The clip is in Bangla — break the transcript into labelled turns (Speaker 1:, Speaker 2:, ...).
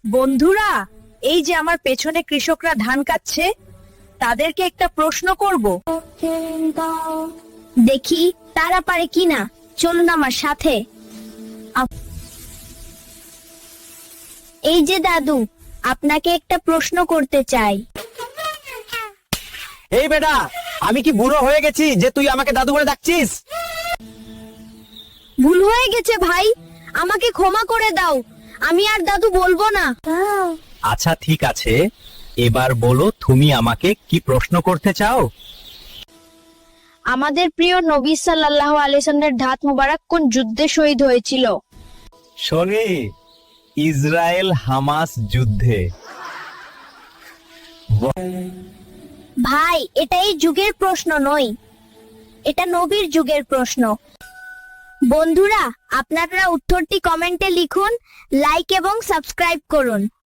Speaker 1: বন্ধুরা, এই যে আমার পেছনে কৃষকরা ধান কাটছে, তাদেরকে একটা প্রশ্ন করব।
Speaker 2: দেখি তারা পারে কিনা। চলুন আমার সাথে। এই যে দাদু, আপনাকে একটা প্রশ্ন করতে চাই।
Speaker 3: এই বেটা, আমি কি বুড়ো হয়ে গেছি যে তুই আমাকে দাদু বলে ডাকছিস?
Speaker 2: ভুল হয়ে গেছে ভাই, আমাকে ক্ষমা করে দাও। আমি আর দাদু বলবো না।
Speaker 3: আচ্ছা ঠিক আছে, এবার বলো তুমি আমাকে কি প্রশ্ন করতে চাও?
Speaker 2: আমাদের প্রিয় নবী সাল্লাল্লাহু আলাইহি ওয়াসাল্লামের দাঁত মোবারক কোন যুদ্ধে শহীদ হয়েছিল?
Speaker 3: শোনে, ইসরায়েল হামাস যুদ্ধে।
Speaker 2: ভাই, এটা এই যুগের প্রশ্ন নয়, এটা নবীর যুগের প্রশ্ন। বন্ধুরা, আপনারা উত্তরটি কমেন্টে লিখুন, লাইক এবং সাবস্ক্রাইব করুন।